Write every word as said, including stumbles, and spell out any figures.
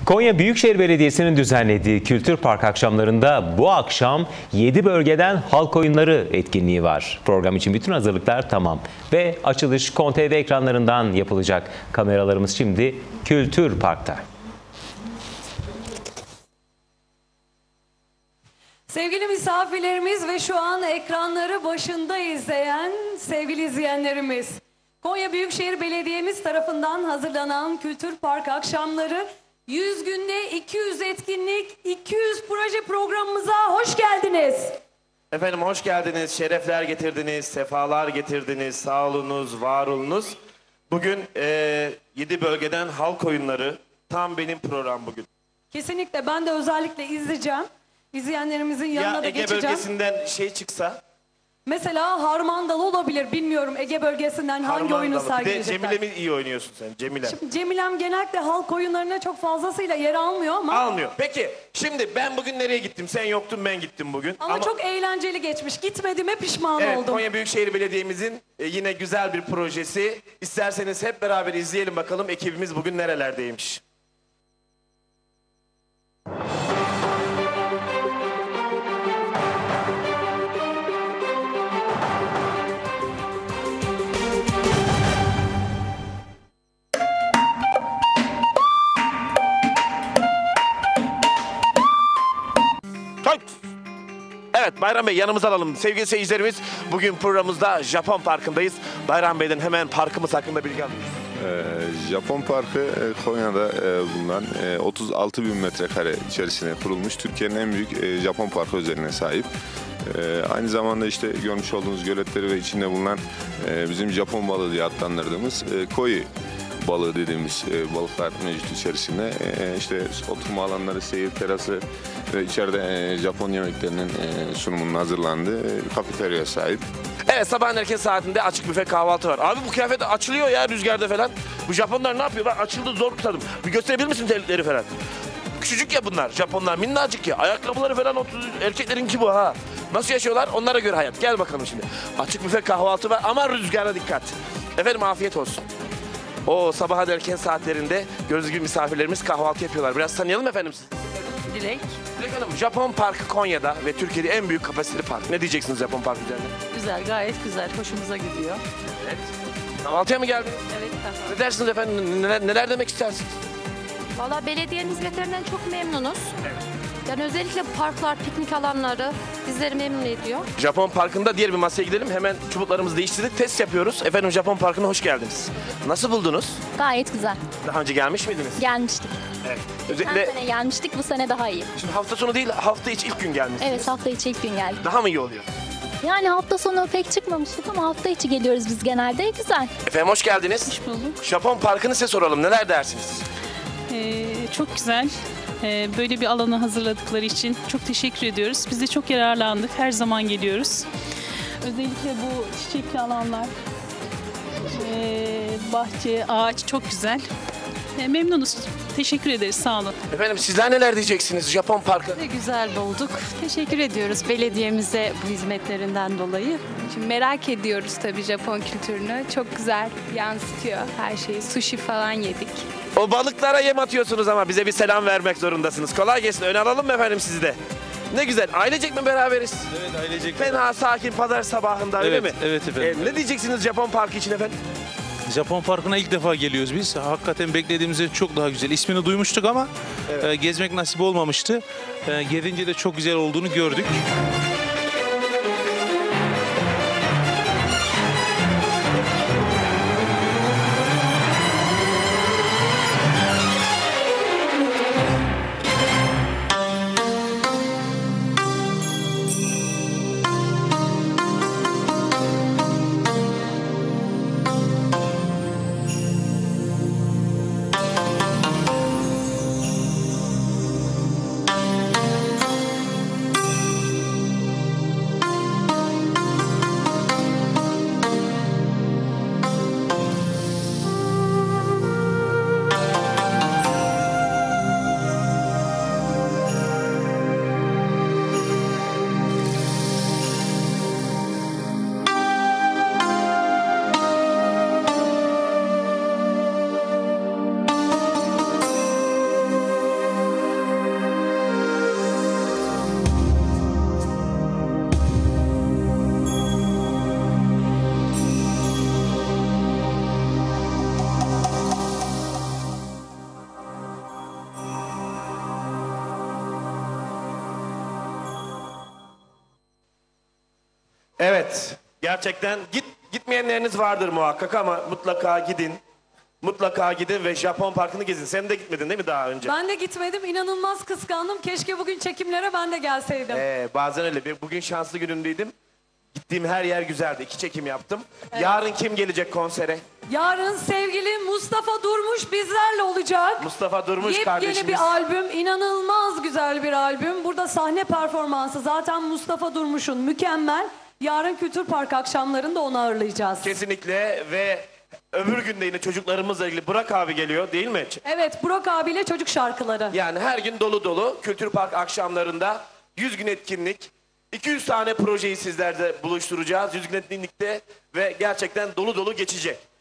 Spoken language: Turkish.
Konya Büyükşehir Belediyesi'nin düzenlediği Kültür Park akşamlarında bu akşam yedi bölgeden halk oyunları etkinliği var. Program için bütün hazırlıklar tamam ve açılış K O N T V ekranlarından yapılacak. Kameralarımız şimdi Kültür Park'ta. Sevgili misafirlerimiz ve şu an ekranları başında izleyen sevgili izleyenlerimiz, Konya Büyükşehir Belediye'miz tarafından hazırlanan Kültür Park akşamları yüz günde iki yüz etkinlik, iki yüz proje programımıza hoş geldiniz. Efendim hoş geldiniz, şerefler getirdiniz, sefalar getirdiniz, sağ olunuz, var olunuz. Bugün e, yedi bölgeden halk oyunları, tam benim program bugün. Kesinlikle ben de özellikle izleyeceğim. İzleyenlerimizin yanına ya da Ege geçeceğim. bölgesinden şey çıksa? Mesela Harmandalı olabilir, bilmiyorum Ege bölgesinden hangi oyunu sergileyecekler. Bir de Cemile mi iyi oynuyorsun sen, Cemile? Şimdi Cemilem genellikle halk oyunlarına çok fazlasıyla yer almıyor ama... Almıyor. Peki, şimdi ben bugün nereye gittim? Sen yoktun, ben gittim bugün. Ama, ama çok eğlenceli geçmiş. Gitmediğime pişman evet, oldum. Konya Büyükşehir Belediye'mizin e, yine güzel bir projesi. İsterseniz hep beraber izleyelim bakalım ekibimiz bugün nerelerdeymiş. Evet, Bayram Bey yanımıza alalım. Sevgili seyircilerimiz, bugün programımızda Japon Parkı'ndayız. Bayram Bey'den hemen parkımız hakkında bilgi alıyoruz. Ee, Japon Parkı e, Konya'da e, bulunan e, otuz altı bin metrekare içerisine kurulmuş Türkiye'nin en büyük e, Japon Parkı özelliğine sahip. E, aynı zamanda işte görmüş olduğunuz göletleri ve içinde bulunan e, bizim Japon balığı diye adlandırdığımız e, koi balığı dediğimiz e, balıklar mevcut içerisinde. E, işte oturma alanları, seyir terası ve içeride e, Japon yemeklerinin e, sunumunun hazırlandığı e, kafeterya sahip. Evet, sabahın erken saatinde açık büfe kahvaltı var. Abi bu kıyafet açılıyor ya rüzgarda falan. Bu Japonlar ne yapıyor? Ben açıldı zor tutadım. Bir gösterebilir misin terlikleri falan? Küçücük ya bunlar. Japonlar minnacık ya. Ayakkabıları falan otuz erkeklerinki bu ha. Nasıl yaşıyorlar? Onlara göre hayat. Gel bakalım şimdi. Açık büfe kahvaltı var ama rüzgara dikkat. Efendim afiyet olsun. O sabahın erken saatlerinde gördüğünüz gibi misafirlerimiz kahvaltı yapıyorlar. Biraz tanıyalım efendim sizi. Dilek. Dilek Hanım, Japon Parkı Konya'da ve Türkiye'de en büyük kapasiteli park. Ne diyeceksiniz Japon Park üzerine? Güzel, gayet güzel. Hoşumuza gidiyor. Evet. Kahvaltıya mı geldiniz? Evet. Ne dersiniz efendim? Neler, neler demek istersiniz? Valla belediyenin hizmetlerinden çok memnunuz. Evet. Yani özellikle parklar, piknik alanları bizleri memnun ediyor. Japon Parkı'nda diğer bir masaya gidelim. Hemen çubuklarımızı değiştirdik. Test yapıyoruz. Efendim Japon Parkı'na hoş geldiniz. Nasıl buldunuz? Gayet güzel. Daha önce gelmiş miydiniz? Gelmiştik. Evet. Geçen Özellikle... sene gelmiştik, bu sene daha iyi. Şimdi hafta sonu değil, hafta içi ilk gün gelmişsiniz. Evet, hafta içi ilk gün geldik. Daha mı iyi oluyor? Yani hafta sonu pek çıkmamıştık ama hafta içi geliyoruz biz genelde. Güzel. Efendim hoş geldiniz. Hoş bulduk. Japon Parkı'nı size soralım. Neler dersiniz? Ee, çok güzel. Ee, böyle bir alanı hazırladıkları için çok teşekkür ediyoruz. Biz de çok yararlandık. Her zaman geliyoruz. Özellikle bu çiçekli alanlar, ee, bahçe, ağaç çok güzel. Ee, memnunuz. Teşekkür ederiz. Sağ olun. Efendim sizler neler diyeceksiniz Japon Parkı? Güzel bulduk. Teşekkür ediyoruz belediyemize bu hizmetlerinden dolayı. Şimdi merak ediyoruz tabii Japon kültürünü. Çok güzel yansıtıyor her şeyi. Sushi falan yedik. O balıklara yem atıyorsunuz ama bize bir selam vermek zorundasınız. Kolay gelsin. Öne alalım mı efendim sizi de? Ne güzel. Ailecek mi beraberiz? Evet, ailecek. Fena sakin pazar sabahında öyle evet, mi? Evet efendim. Ee, ne diyeceksiniz Japon Parkı için efendim? Japon Parkı'na ilk defa geliyoruz biz. Hakikaten beklediğimizden çok daha güzel. İsmini duymuştuk ama evet. e, gezmek nasip olmamıştı. E, gelince de çok güzel olduğunu gördük. Evet. Gerçekten git gitmeyenleriniz vardır muhakkak ama mutlaka gidin. Mutlaka gidin ve Japon Parkı'nı gezin. Sen de gitmedin değil mi daha önce? Ben de gitmedim. İnanılmaz kıskandım. Keşke bugün çekimlere ben de gelseydim. Ee, bazen öyle. Bir- Bugün şanslı günümdeydim. Gittiğim her yer güzeldi. İki çekim yaptım. Yarın kim gelecek konsere? Yarın sevgili Mustafa Durmuş bizlerle olacak. Mustafa Durmuş Yepyeni kardeşimiz. bir albüm, inanılmaz güzel bir albüm. Burada sahne performansı zaten Mustafa Durmuş'un mükemmel. Yarın Kültür Park akşamlarında onu ağırlayacağız. Kesinlikle ve öbür günde yine çocuklarımızla ilgili Burak abi geliyor değil mi? Evet, Burak abiyle çocuk şarkıları. Yani her gün dolu dolu Kültür Park akşamlarında yüz gün etkinlik, iki yüz tane projeyi sizlerle buluşturacağız yüz gün etkinlikte ve gerçekten dolu dolu geçecek.